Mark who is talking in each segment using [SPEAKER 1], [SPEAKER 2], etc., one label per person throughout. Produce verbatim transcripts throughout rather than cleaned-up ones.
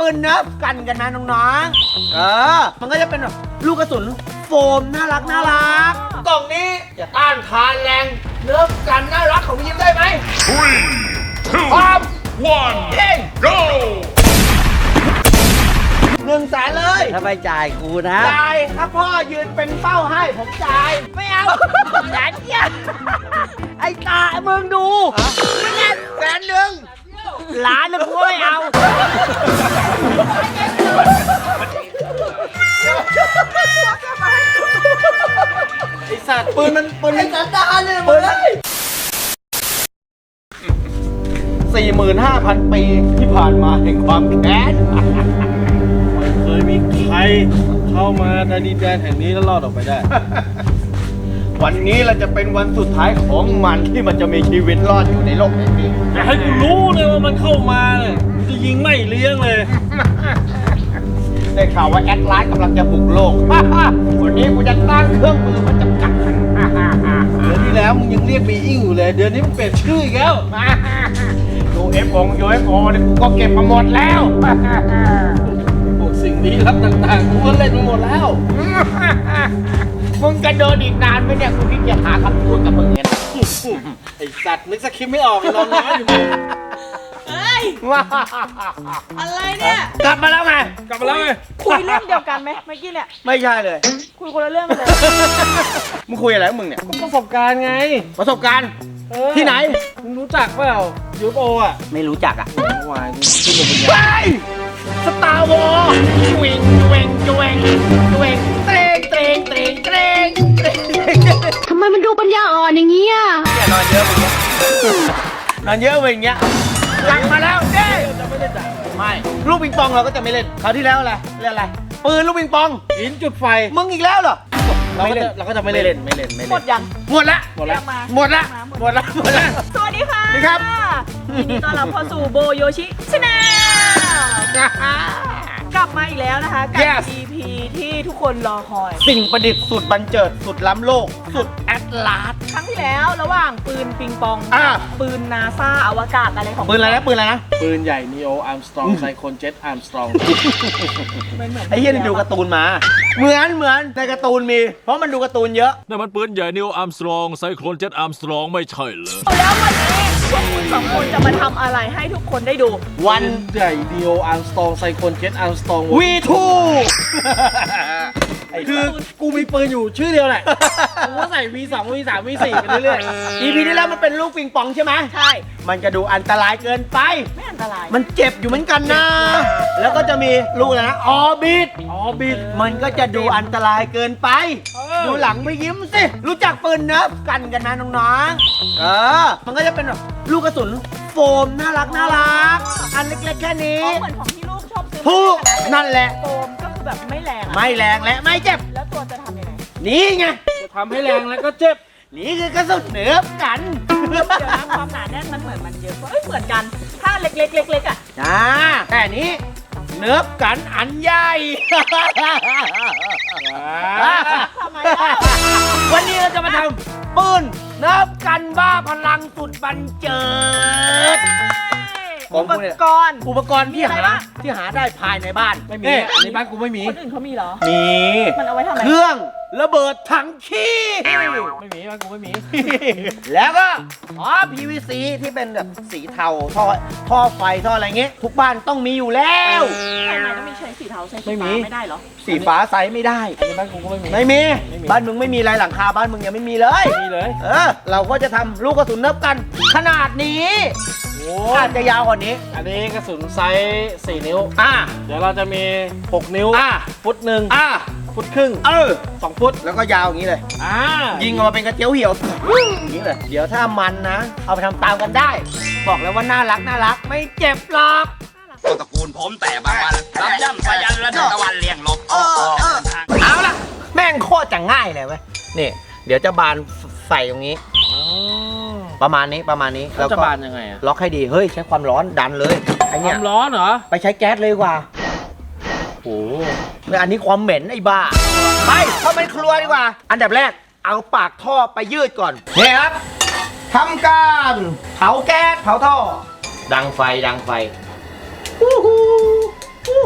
[SPEAKER 1] ปืนเนิร์ฟกันกันนะน้องๆเออมันก็จะเป็นแบบลูกกระสุนโฟมน่ารักน่ารักกล่องนี้จะต้านทานแรงเนิร์ฟกันน่ารักของพี่ยิ้มได้ไหม
[SPEAKER 2] three two
[SPEAKER 1] พร้อม
[SPEAKER 2] one
[SPEAKER 1] เฮ้ย
[SPEAKER 2] go
[SPEAKER 1] หนึ่งแสนเลย
[SPEAKER 3] ถ้าไม่จ่ายกูนะ
[SPEAKER 1] จ่ายถ้าพ่อยืนเป็นเป้าให้ผมจ่ายไม่เอาแสนเดียวไอ้ตามึงดูไม่เล่นแสนหนึ่งล้านนึงกูไม่เอาไอ้สัตว์ปืนมันปืนมันสันดานเลยปืนสี่หมื่นห้าพันปีที่ผ่านมาแห่งความแค้น
[SPEAKER 4] เคยมีใครเข้ามาในดินแดนแห่งนี้แล้วรอดออกไปได้
[SPEAKER 1] วันนี้เราจะเป็นวันสุดท้ายของมันที่มันจะมีชีวิตรอดอยู่ในโลกแห่งนี้
[SPEAKER 4] แต่ให้กูรู้เลยว่ามันเข้ามาเนี่ยกูจะยิงไม่เลี้ยงเลย
[SPEAKER 1] ได้ข่าวว่าแอดไลน์กำลังจะบุกโลก วันนี้กูจะตั้งเครื่องมือมันจำกัด
[SPEAKER 4] เดือนที่แล้วมึงยังเรียกบีอิงอยู่เลย เดือนนี้มึงเปลี่ยนชื่ออีกแล้ว
[SPEAKER 1] ยูเอฟโอยูเอฟโอเนี่ยกูก็เก็บมาหมดแล้ว
[SPEAKER 4] พวกสิ่งลี้ลับต่างๆกูก็เล่นมาหมดแล้ว
[SPEAKER 1] มึงจะเดินอีกนานไหมเนี่ยกูคิดจะหาคำพูดกับมึงเนี่ย
[SPEAKER 4] ไอ้สัตว์นึกสคริปต์ไม่ออกเลยนอนน้อยอยู่
[SPEAKER 5] เฮ้ย
[SPEAKER 1] ว้า
[SPEAKER 5] อะไรเนี่ย
[SPEAKER 1] กลับมาแล้วไง
[SPEAKER 4] กลับมาแล้วไง
[SPEAKER 5] คุยเรื่องเดียวกันไหมเมื่อกี้เนี่ย
[SPEAKER 1] ไม่ใช่เลย
[SPEAKER 5] คุยคนละเรื่องกันเลย
[SPEAKER 1] มึงคุยอะไรกับมึงเนี่ย
[SPEAKER 4] ประสบการณ์ไง
[SPEAKER 1] ประสบการณ์
[SPEAKER 4] เออ
[SPEAKER 1] ที่ไหน
[SPEAKER 4] มึงรู้จักเปล่ายูโออ่ะ
[SPEAKER 1] ไม่รู้จักอ่ะ
[SPEAKER 4] เมื่อวานกูขึ้นมาบน
[SPEAKER 1] ไป
[SPEAKER 4] ยาน
[SPEAKER 1] สตาร์วอร์จวงจวงจวงจวงเตรงเตรงเตรงเตรงเตรง
[SPEAKER 6] ทำไมมันดูปัญญาอ่อนอย่างนี้อ่ะ
[SPEAKER 1] เนี่ยนอนเยอะไปเงี้ยนอนเยอะไปอย่างเงี้ยกลับมาแล้วเด้
[SPEAKER 4] จะไม่ได้จ่าย
[SPEAKER 1] ไม่ลูกปิงปองเราก็จะไม่เล่นคราวที่แล้วอะไรเล่นอะไรปืนลูกปิงปอง
[SPEAKER 4] หินจุดไฟ
[SPEAKER 1] มึงอีกแล้วเหรอ
[SPEAKER 4] เราก็จะเราก็จะไม่เล่น
[SPEAKER 1] ไม่เล่นไม่เล่น
[SPEAKER 5] หมดยัง
[SPEAKER 1] หมดละ
[SPEAKER 4] หมดแล้ว
[SPEAKER 5] มา
[SPEAKER 1] หมดละหมดละหมดละ
[SPEAKER 5] สวัสดีค่ะ
[SPEAKER 1] สวัสดีครับ
[SPEAKER 5] ยินดีต้อนรับเข้าสู่โบโยชิชาแนลกลับมาอีกแล้วนะคะกับ
[SPEAKER 1] Yes
[SPEAKER 5] อี พี ที่ทุกคนรอคอย
[SPEAKER 1] สิ่งประดิษฐ์สุดบันเจิดสุดล้ำโลก สุดแอตลาส
[SPEAKER 5] ครั้งที่แล้วระหว่างปืนปิงปอง
[SPEAKER 1] อ่า
[SPEAKER 5] ปืนนาซาอวกาศอะไรของ
[SPEAKER 1] ปืนอะไรนะปืนอะไรนะ
[SPEAKER 4] ปืนใหญ่นีโออาร์มสตรองไซโคนเจ็ตอาร์มสตรอง
[SPEAKER 5] ไม่เหมือน
[SPEAKER 1] ไอ้เหี้ยนี่ดูการ์ตูนมา เหมือนเหมือนในการ์ตูนมี เพราะมันดูการ์ตูนเยอะ
[SPEAKER 2] นั่นมันปืนใหญ่นิวอาร์มสตรองไซโคลนเจ็ตอาร์มสตรองไม่ใช่เหรอ
[SPEAKER 5] แล้ววันนี้พวกคุณสองคนจะมาทำอะไรให้ทุกคนได้ดู
[SPEAKER 1] วัน
[SPEAKER 4] ใหญ่นีโออาร์มสตรองไซโคนเจ็ตอาร์มสตรอง
[SPEAKER 1] วีทู
[SPEAKER 4] คือกูมีปืนอยู่ชื่อเดียวแหละ กูก็ใส่ วี สอง วี สาม วี สี่ ไปเรื่อย
[SPEAKER 1] อีพีที่แล้วมันเป็นลูกปิงปองใช่ไหม
[SPEAKER 5] ใช่
[SPEAKER 1] มันก็ดูอันตรายเกินไป
[SPEAKER 5] ไม่อันตราย
[SPEAKER 1] มันเจ็บอยู่เหมือนกันนะ แล้วก็จะมีลูกอะไรนะ ออบิท
[SPEAKER 4] ๆอ๋อบิด
[SPEAKER 1] มันก็จะดูอันตรายเกินไป
[SPEAKER 4] เออ
[SPEAKER 1] ดูหลังไม่ยิ้มสิ รู้จักปืนเนิร์ฟกันกันนะน้องๆ เออ มันก็จะเป็นแบบลูกกระสุนโฟมน่ารักน่ารัก อันเล็กๆแค่นี้
[SPEAKER 5] อ๋อเหมือนของที่ลูกชอบซื้อ
[SPEAKER 1] ถูก
[SPEAKER 5] มา
[SPEAKER 1] นั่นแหละ
[SPEAKER 5] โฟมก็คือแบบไม่แรงอะ
[SPEAKER 1] ไม่แรงและไม่เจ็บ
[SPEAKER 5] แล้วตัวจะทำยังไง
[SPEAKER 1] นี่ไง
[SPEAKER 4] จะทำให้แรงแล้วก็เจ็บ
[SPEAKER 1] นี่คือกระสุนเนิร์ฟกัน
[SPEAKER 5] เดี๋ยวนะความหนาแน่นมันเหมือนมันเยอะกว่าเอ้ยเหมือนกัน ถ้าเล็กๆเล็กๆอ่ะ
[SPEAKER 1] จ้าแต่นี้เนิร์ฟกันอันใหญ่
[SPEAKER 5] ทำไมล่ะ
[SPEAKER 1] วันนี้เราจะมาทำปืนเนิร์ฟกันบ้าพลังสุดบันเจิด ขอ
[SPEAKER 5] อุ
[SPEAKER 1] ง
[SPEAKER 5] ป
[SPEAKER 1] กูเนี่ย
[SPEAKER 5] กรณ์
[SPEAKER 1] อุปกรณ์ที่
[SPEAKER 5] มีอะไร
[SPEAKER 1] หา
[SPEAKER 5] บ้าง
[SPEAKER 1] ที่หาได้ภายในบ้าน
[SPEAKER 4] ไม่มี
[SPEAKER 1] เอ๊ะ
[SPEAKER 4] อันนี้บ้านกูไม่มี
[SPEAKER 5] คนอื่นเขามีเหรอ
[SPEAKER 1] มี
[SPEAKER 5] มันเอาไว้ทำไม
[SPEAKER 1] เครื่องระเบิดถังขี้
[SPEAKER 4] ไม่มีบ้านกูไม่มี
[SPEAKER 1] แล้วก็อ๋อ พี วี ซี ที่เป็นแบบสีเทาท่อท่อไฟท่ออะไรเงี้ยทุกบ้านต้องมีอยู่แล้ว
[SPEAKER 5] ทำไมต้องมีใช้สีเทาใช้สี
[SPEAKER 4] ไม่มี
[SPEAKER 5] ฟ้าไม่ได้เหรอ
[SPEAKER 1] สีฟ้าใสไม่ได้
[SPEAKER 4] อันนี้บ้านกูก็ไม่มี
[SPEAKER 1] ไม่มี
[SPEAKER 4] ไม่มี
[SPEAKER 1] บ้านมึงไม่มีอะไรหลังคาบ้านมึงยังไม่มีเลย
[SPEAKER 4] ไม่มีเลย
[SPEAKER 1] เออ เราก็จะทำลูกกระสุนเนิบกัน ขนาดนี้
[SPEAKER 4] โอ้
[SPEAKER 1] อาจจะยาวกว่านี้
[SPEAKER 4] อันนี้กระสุนไซส์สี่นิ้ว
[SPEAKER 1] อ่า
[SPEAKER 4] เดี๋ยวเราจะมีหกนิ้ว
[SPEAKER 1] อ่า
[SPEAKER 4] ฟุตหนึ่ง
[SPEAKER 1] อ่า
[SPEAKER 4] ฟุตครึ่ง
[SPEAKER 1] เออ
[SPEAKER 4] สองฟุต
[SPEAKER 1] แล้วก็ยาวอย่างนี้เลย
[SPEAKER 4] อ่า
[SPEAKER 1] ยิงออกมาเป็นกระเจียวเหี่ยวอย่างนี้เลย เดี๋ยวถ้ามันนะ เอาไปทำตามกันได้ บอกแล้วว่าน่ารักน่ารักไม่เจ็บหรอก
[SPEAKER 7] ตระกูลผมแต่บางวันรับย่ำสยันและตะวันเลี้ยงลบ
[SPEAKER 1] เอาล่ะ แม่งโคตรจะง่ายเลยเว้ยนี่ เดี๋ยวจะบานใส่ตรงนี้ ประมาณนี้ประมาณนี้
[SPEAKER 4] แล้วจะบานยังไงอะ
[SPEAKER 1] ล็อกให้ดี เฮ้ย ใช้ความร้อนดันเลยไอ
[SPEAKER 4] ค
[SPEAKER 1] เนี้
[SPEAKER 4] วาย มร้อนเหรอ
[SPEAKER 1] ไปใช้แก๊สเลยดีกว่า
[SPEAKER 4] โอ้
[SPEAKER 1] เนี่ยอันนี้ความเหม็นไอ้บ้า ไปเข้าไปครัวดีกว่า อันดับแรกเอาปากท่อไปยืดก่อนนี่ครับทำการเผาแก๊สเผาท่อ ดังไฟดังไฟอู้หูอู้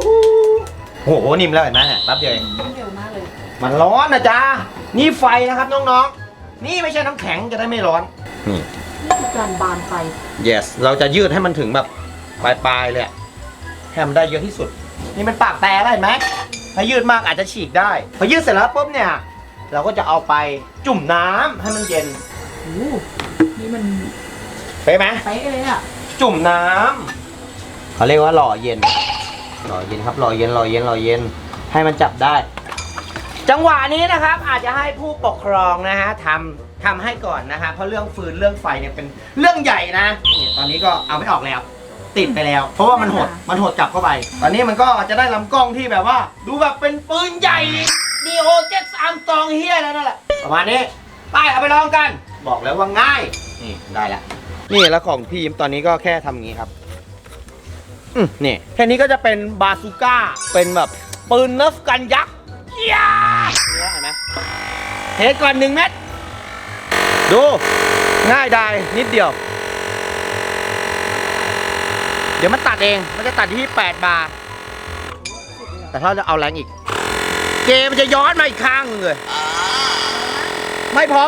[SPEAKER 1] โอ้โหนิ่มแล้วเห็นไหมเนี่ยแป๊บเดียวเอง
[SPEAKER 5] เร็วมากเลย
[SPEAKER 1] มันร้อนนะจ๊ะนี่ไฟนะครับน้องๆนี่ไม่ใช่น้ำแข็งจะได้ไม่ร้อนนี่
[SPEAKER 5] นี่คือการบานไฟ
[SPEAKER 1] yes เราจะยืดให้มันถึงแบบปลายๆเลยอะให้มันได้เยอะที่สุด นี่มันปากแตกแล้วเห็นไหมถ้ายืดมากอาจจะฉีกได้พอยืดเสร็จแล้วปุ๊บเนี่ยเราก็จะเอาไปจุ่มน้ำให้มันเย็น
[SPEAKER 5] โอ้นี่มัน
[SPEAKER 1] เป๊ะไหม
[SPEAKER 5] เป๊ะเลยอ่ะ
[SPEAKER 1] จุ่มน้ำเขาเรียกว่าหล่อเย็นหล่อเย็นครับหล่อเย็นหล่อเย็นหล่อเย็นให้มันจับได้ จังหวะนี้นะครับอาจจะให้ผู้ปกครองนะฮะทำทำให้ก่อนนะฮะเพราะเรื่องฟืนเรื่องไฟเนี่ยเป็นเรื่องใหญ่นะเนี่ยตอนนี้ก็เอาไม่ออกแล้ว ติดไปแล้ว เพราะว่ามันหดมันหดกลับเข้าไป ตอนนี้มันก็จะได้ลำกล้องที่แบบว่า ดูแบบเป็นปืนใหญ่ดีโอเจ็ดสามตองเฮียแล้วนั่นแหละประมาณนี้ไปเอาไปลองกัน บอกแล้วว่าง่ายนี่ได้แล้วนี่แล้วของพี่ยิ้มตอนนี้ก็แค่ทำอย่างนี้ครับอืมนี่แค่นี้ก็จะเป็นบาซูก้าเป็นแบบปืนเนิร์ฟกันยักษ์เฮียนี่เห็นไหมเทก่อนหนึ่งเม็ดดูง่ายได้นิดเดียวเดี๋ยวมันตัดเอง มันจะตัดที่แปดบาร์แต่ถ้าเราจะเอาแรงอีก เกมมันจะย้อนมาอีกข้างหนึงเลย ไม่พอ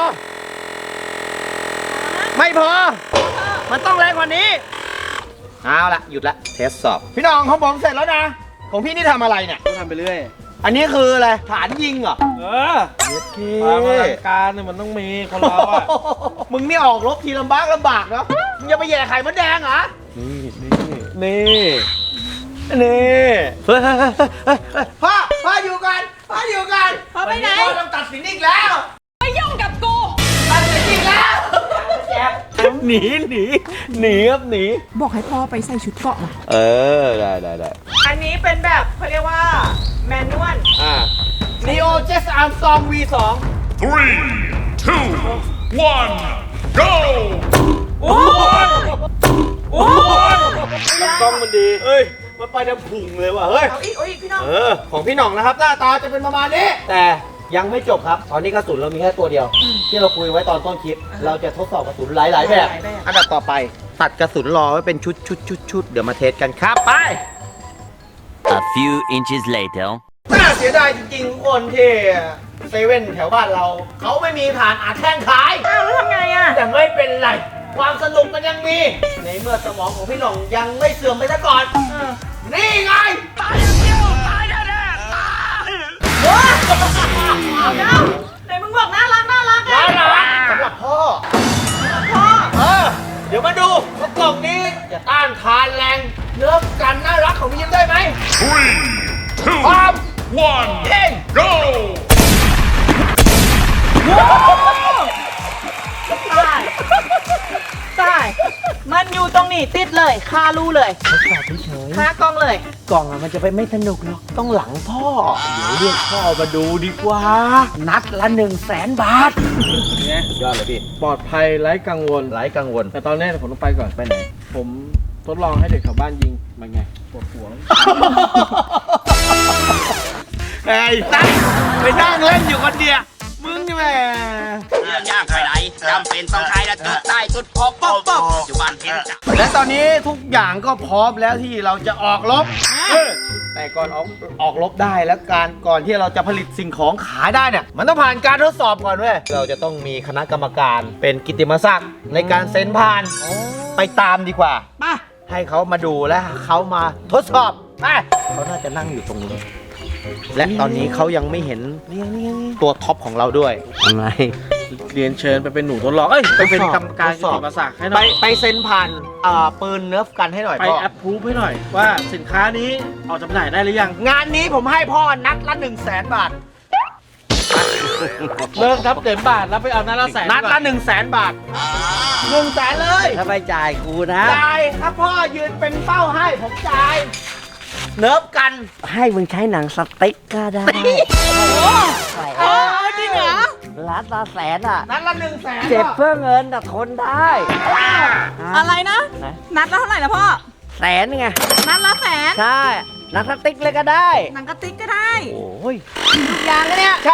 [SPEAKER 1] ไม่พอ มันต้องแรงกว่านี้ เอาละหยุดละ เทสสอบ พี่น้องของผมเสร็จแล้วนะ ของพี่นี่ทำอะไรเนี่ย
[SPEAKER 4] ก็ทำไปเรื่อย
[SPEAKER 1] อันนี้คืออะไร ฐานยิงเหรอ
[SPEAKER 4] เออความอลังการเนี่ยมันต้องมีคนเราอะ
[SPEAKER 1] มึงนี่ออกรบทีลำบากลำบากเนาะ มึงจะไปแย่ไข่มดแดงเหรอ
[SPEAKER 4] นี่นี่
[SPEAKER 1] นี่ นี่เฮ้ยเฮ้ยเฮ้ยเฮ้ยเฮ้ยพ่อ พ่ออยู่กันพ่ออยู่กัน
[SPEAKER 5] พ่อไปไหน
[SPEAKER 1] พ่อต้องตัดสินอีกแล้ว
[SPEAKER 5] ไม่ยุ่งกับกู
[SPEAKER 1] ตัดสินอีกแล้วแจ๊บหนีหนีหนีครับหนี
[SPEAKER 5] บอกให้พ่อไปใส่ชุดเกราะมา
[SPEAKER 1] เออ ได้ได้ได้
[SPEAKER 5] อันนี้เป็นแบบเขาเรียกว่าแมนนวล
[SPEAKER 1] อ่า Neo Jess Armstrong วี สอง
[SPEAKER 2] three two one go
[SPEAKER 5] โอ้ยโอ้ย
[SPEAKER 1] ลำกล้องมันดี เฮ้ย มันไปน้ำพุงเลยว่ะ เฮ้ย
[SPEAKER 5] เอาอีกเอาอีกพี่น้อง
[SPEAKER 1] เออ ของพี่หน่องนะครับหน้าตาจะเป็นประมาณนี้ แต่ยังไม่จบครับ ตอนนี้กระสุนเรามีแค่ตัวเดียว ที่เราคุยไว้ตอนต้นคลิป เราจะทดสอบกระสุนหลาย ๆ แบบ
[SPEAKER 5] หลายๆแบบ
[SPEAKER 1] อันดับต่อไป ตัดกระสุนรอไว้เป็นชุดชุดชุดชุดเดี๋ยวมาเทสกันครับ ไป
[SPEAKER 7] A few inches later
[SPEAKER 1] น่าเสียดายจริงๆทุกคนที่เซเว่นแถวบ้านเรา เขาไม่มีฐานอาแท่งขาย
[SPEAKER 5] อ้าวแล้วทำไงอ่ะ
[SPEAKER 1] แต่ไม่เป็นไร ความสนุกมันยังมี ในเมื่อสมองของพี่หน่องยังไม่เสื่อมไปซะก่อน
[SPEAKER 5] เออ
[SPEAKER 1] นี่ไง ตายอย่างเดียวตายแน่ๆตาย
[SPEAKER 5] เอาเจ้าไหนมึงบอกน่ารักน่ารักไง
[SPEAKER 1] น่ารักสำหรับพ่อ
[SPEAKER 5] พ่อ
[SPEAKER 1] เออ เดี๋ยวมาดูว่ากล่องนี้จะต้านทานแรงเนื้อกันน่ารักของพี่ยิ้มได้ไหม
[SPEAKER 2] three two
[SPEAKER 1] พร้อม
[SPEAKER 2] one
[SPEAKER 1] เย่ง
[SPEAKER 2] go
[SPEAKER 5] ตายตายมันอยู่ตรงนี้ติดเลยคารูเลย
[SPEAKER 1] ทดสอบเฉย
[SPEAKER 5] คากล้องเลย
[SPEAKER 1] ๆกล่องอะมันจะไปไม่สนุกหรอกต้องหลังพ่อ เดี๋ยวเรียกพ่อมาดูดีกว่า นัดละหนึ่งแสนบาท
[SPEAKER 4] ไง
[SPEAKER 1] ยอดเลยพี่
[SPEAKER 4] ปลอดภัยไร้กังวล
[SPEAKER 1] ไร้กังวล
[SPEAKER 4] แต่ตอนนี้ผมต้องไปก่อน
[SPEAKER 1] ไปไหน
[SPEAKER 4] ผมทดลองให้เด็กแถวบ้านยิงมันไงปวดหัว
[SPEAKER 1] ไอ้ตั้งไปนั่งเล่นอยู่คนเดียวมึงนี่แหม่
[SPEAKER 7] เรื่องยากไปไหนจำเป็นต้องใช้และจุดใต้จุดพบป๊บป๊บอยู่บ้านเห็นจับ
[SPEAKER 1] และตอนนี้ทุกอย่างก็พร้อมแล้วที่เราจะออกรบเออแต่ก่อนออกออกรบได้แล้วการก่อนที่เราจะผลิตสิ่งของขายได้เนี่ยมันต้องผ่านการทดสอบก่อนเว้ยเราจะต้องมีคณะกรรมการเป็นกิตติมศักดิ์ในการเซ็นผ่านไปตามดีกว่า
[SPEAKER 5] มา
[SPEAKER 1] ให้เขามาดูและเขามาทดสอบไปเขาน่าจะนั่งอยู่ตรงนี้ และตอนนี้เขายังไม่เห็นตัวท็อปของเราด้วยทำไม
[SPEAKER 4] เรียนเชิญไปเป็นหนูทดลอง เอ้ย ไปเป็นกรรมการ
[SPEAKER 1] ทด
[SPEAKER 4] กิ
[SPEAKER 1] ส
[SPEAKER 4] ต
[SPEAKER 1] อบ
[SPEAKER 4] ติมศักดิ์ให้ห
[SPEAKER 1] ไป
[SPEAKER 4] น่อย
[SPEAKER 1] ไปเซ็นผ่านอ่าปืนเนิร์ฟกันให้หน่อย
[SPEAKER 4] ไป
[SPEAKER 1] พ่อ
[SPEAKER 4] แอปพรูฟให้หน่อย ว่าสินค้านี้ออกจำหน่ายได้หรือยัง
[SPEAKER 1] งานนี้ผมให้พ่อนัดละหนึ่งแสนบาท
[SPEAKER 4] เลิกทับเต็มบาทแล้วไปเอานัดละแสน
[SPEAKER 1] นัดละหนึ่งแสนบาทหนึ่งแสนเลย
[SPEAKER 3] ถ้าไปจ่ายกูนะ
[SPEAKER 1] จ่ายถ้าพ่อยืนเป็นเป้าให้ผมจ่ายเนิร์ฟกัน
[SPEAKER 3] ให้มึงใช้หนังสติ๊กก็ได้
[SPEAKER 5] เออจริงเหรอ
[SPEAKER 3] ล้านละแสนอ่ะ
[SPEAKER 1] นัดละหนึ่งแสน
[SPEAKER 3] เจ็บเพื่อเงินแต่ทนได้
[SPEAKER 5] อะไรนะ
[SPEAKER 3] นะ
[SPEAKER 5] นัดละเท่าไหร่นะพ่อ
[SPEAKER 3] แสนไง
[SPEAKER 5] นัดละแสน
[SPEAKER 3] ใช่ หนังสติ๊กเลยก็ได้
[SPEAKER 5] หนังกระติกก็ได้
[SPEAKER 3] โอ้ย
[SPEAKER 5] ทุกอย่างเลยเนี่ย
[SPEAKER 1] ใช่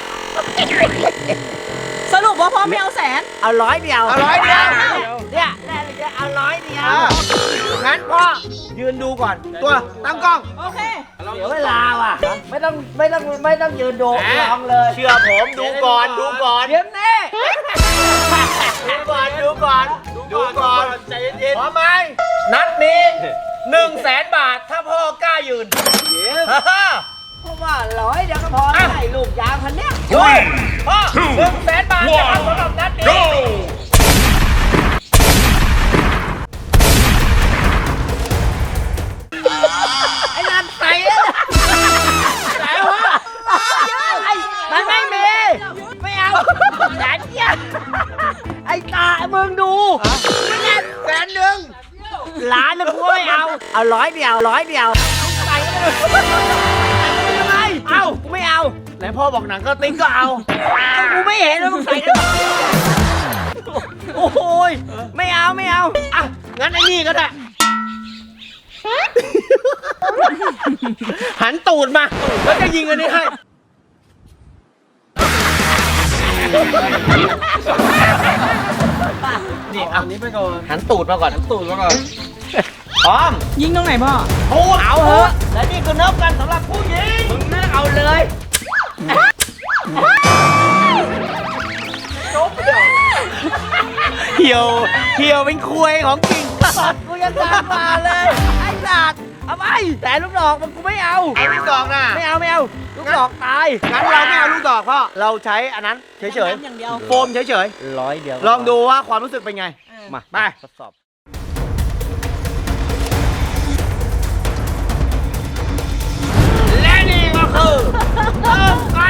[SPEAKER 5] สรุปว่าพ่อไม่เอาแสน
[SPEAKER 3] เอาร้อยเดียว
[SPEAKER 1] เอาร้อยเดียว
[SPEAKER 3] เนี่ยได้เลยเอาร้อยเดียว
[SPEAKER 1] อ่ะงั้นพ่อยืนดูก่อน ตัวตั้งกล้อง
[SPEAKER 5] โอเค
[SPEAKER 4] เรา
[SPEAKER 3] เดี๋ยวเวลาว่ะ ไม่ต้องไม่ต้องไม่ต้องยืนดูลองเลย
[SPEAKER 1] เชื่อผมดูก่อนดูก่อน
[SPEAKER 3] เดี๋ยวแน่
[SPEAKER 1] ดูก่อนดูก่อนดูก่อน
[SPEAKER 4] ใจเย็น
[SPEAKER 1] พร้อมไหมนัดนี้หนึ่งแสนบาทถ้าพ่อกล้ายืน
[SPEAKER 3] เพราะว่าร้อยเดี๋ยวก็พอได้ลูกยางพันเนี้ย
[SPEAKER 1] ดูพ่อหนึ่งแสนบาทนะครับสำหรับนัดนี้
[SPEAKER 3] ไอ้นั่นใส่แล้วใส่วะมันไม่มี ไม่เอาแสนเดียวไอ้ตามึงดูไม่ได้แสนหนึ่งล้านนึงกูไม่เอา เอาร้อยเดียวร้อยเดียวใส่เลยทำไมเอากูไม่เอาไหนพ่อบอกหนังก็ติ๊กก็เอาเอากูไม่เห็นแล้วมึงใส่กันโอ้โหยไม่เอาไม่เอาอ่ะงั้นไอ้นี่ก็ได้ หันตูดมา แล้วจะยิงอันนี้ให้
[SPEAKER 4] นี่เอาอันนี้ไปก่อน
[SPEAKER 1] หันตูดมาก่อน
[SPEAKER 4] ตูดมาก่อน
[SPEAKER 1] พร้อม
[SPEAKER 5] ยิงตรงไหนพ่อ
[SPEAKER 1] พูดเอาเหอะและนี่คือเนิบกันสำหรับผู้หญิงมึงเลือกเอาเลยเหี่ยวเหี่ยวเป็นคุยของจริง
[SPEAKER 3] สัตว์กูยังตามมาเลย ไอ้สัตว์เอาไปแต่ลูกดอกมันกูไม่เอา
[SPEAKER 1] ไอ้ลูกดอกน่ะ
[SPEAKER 3] ไม่เอาไม่เอา ลูกดอกตาย
[SPEAKER 1] งั้นเราไม่เอาลูกดอกพ่อเราใช้อันนั้นเฉย
[SPEAKER 5] อย่างเดียว
[SPEAKER 1] ๆโฟมเฉย
[SPEAKER 3] ร้อยเดียว
[SPEAKER 1] ๆลองดูว่าความรู้สึกเป็นไงมาไป
[SPEAKER 3] ทดสอบ
[SPEAKER 1] และนี่ก็คือเริ่มกัน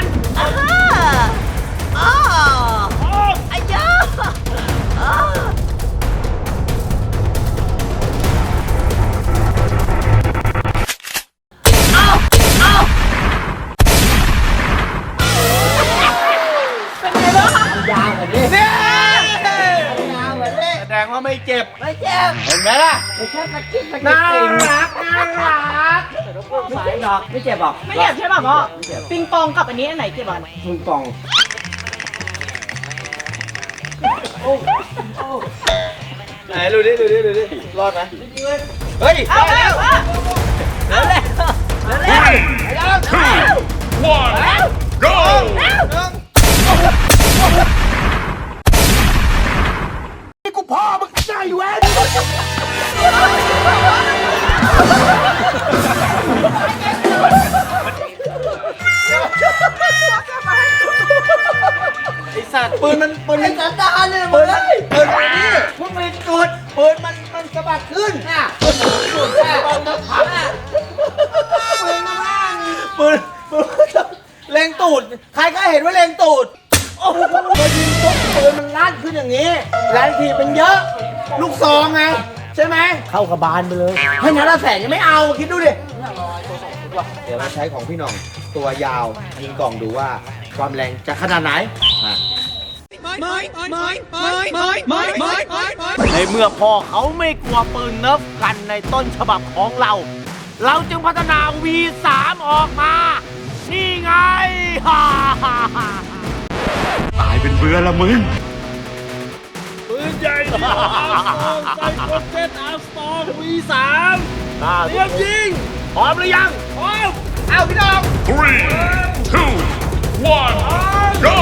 [SPEAKER 3] อ้าไอ้เจ้าอ้า
[SPEAKER 1] เนี่ยแสดงว่าไม่เจ็บ
[SPEAKER 3] ไม่เจ็บ
[SPEAKER 1] เห็นไหมล่ะ
[SPEAKER 3] ไม่ใช่ตะกิ๊กตะกิ๊ก
[SPEAKER 1] น่ารักน่ารัก
[SPEAKER 3] ไม่เจ็บหรอกไม่เจ็บหรอก
[SPEAKER 5] ไม่เจ็บใช่ป่ะพ่อ ปิงปองกับอันนี้อันไหนเจ็บอ่ะ
[SPEAKER 3] มึงปอง
[SPEAKER 4] ไหนดูดิดูดิดูดิรอดไหม
[SPEAKER 1] เฮ้ย
[SPEAKER 5] เอา
[SPEAKER 1] ได้
[SPEAKER 5] แล้
[SPEAKER 1] แล้ว ว
[SPEAKER 3] แล้วแล้วแล้วแล้ว
[SPEAKER 1] นี่กูพ่อมึงใจเว้ย
[SPEAKER 4] ไอสัตว์ปืนมันปืน
[SPEAKER 3] ไอ้
[SPEAKER 4] มัน
[SPEAKER 3] สันดานเลย
[SPEAKER 1] ปื
[SPEAKER 3] มึ
[SPEAKER 1] น
[SPEAKER 3] ง
[SPEAKER 1] ปืนมันนี่พวกมึงจุดปืนมันมันสะบัดขึ้นน่ะปืนจุดแค่ปืนมันพังอ่ะปืนมาบ้างปืนปืนเล็งตูดใครก็เห็นว่าเล็งตูดโอ้โหพอยิงปุ๊บปืนมันลั่นขึ้นอย่างนี้แรงทีเป็นเยอะ ลูกซองไงใช่ไหม
[SPEAKER 3] เข้ากระบาลไปเลย
[SPEAKER 1] ให้นัดละแสนยังไม่เอาคิดดูดิเดี๋ยวเราใช้ของพี่หน่องตัวยาวยิงกล่องดูว่าความแรงจะขนาดไหนอ่ะ ในเมื่อพ่อเขาไม่กลัวปืนเนิร์ฟกันในต้นฉบับของเรา เราจึงพัฒนา วี สาม ออกมา นี่ไง ฮ่าฮ่าฮ่า
[SPEAKER 4] ปืนใหญ่ที่อาร์มสตรองไซโคเจ็ตอาร์มสตรอง วี สาม เตรียมยิง
[SPEAKER 1] พร้อมหรือยัง
[SPEAKER 4] พร้อม
[SPEAKER 1] เอาพี่น้อง
[SPEAKER 2] three two one go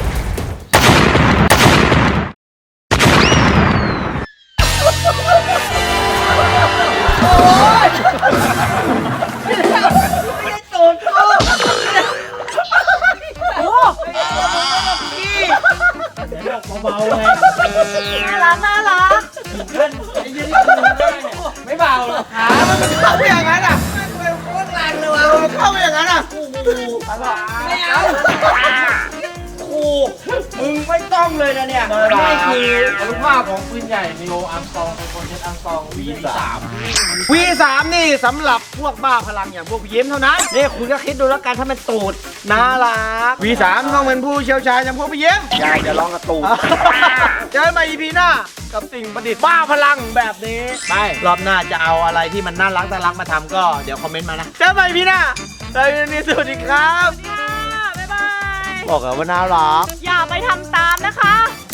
[SPEAKER 4] เบาๆไง
[SPEAKER 5] น่ารักน่ารัก
[SPEAKER 1] ไม่เบาหรอกขามันเข้าไปอย่างนั้นอ่ะมันเป็นโคตรแรงเลยวะมันเข้าไปอย่างนั้นอ่ะไม่เอาครูมึงไม่ต้องเลยนะเนี่ย
[SPEAKER 4] นี่คืออนุภาพของปืนใหญ่นิโออาร์มสตรองไซโคเจ็ตอาร์มสตรอง วี สาม
[SPEAKER 1] วี สาม นี่สำหรับพวกบ้าพลังอย่างพวกพี่ยิ้มเท่านั้นนี่คุณก็คิดดูแล้วกันถ้ามันตูดน่ารัก วี สาม ต้องเป็นผู้เชี่ยวชาญอย่างพวกพี่ยิ้มอย่าอย่าลองกระตูด เจอกันใหม่ อี พี หน้ากับสิ่งประดิษฐ์บ้าพลังแบบนี้ไปรอบหน้าจะเอาอะไรที่มันน่ารักน่ารักมาทำก็เดี๋ยวคอมเมนต์มานะเจอกันใหม่ อี พี หน้าแล้ววันนี้สวัสดีครับ
[SPEAKER 5] ค่ะบ๊ายบาย
[SPEAKER 1] บอกกันว่าน่ารัก
[SPEAKER 5] อย่าไปทำตามนะคะ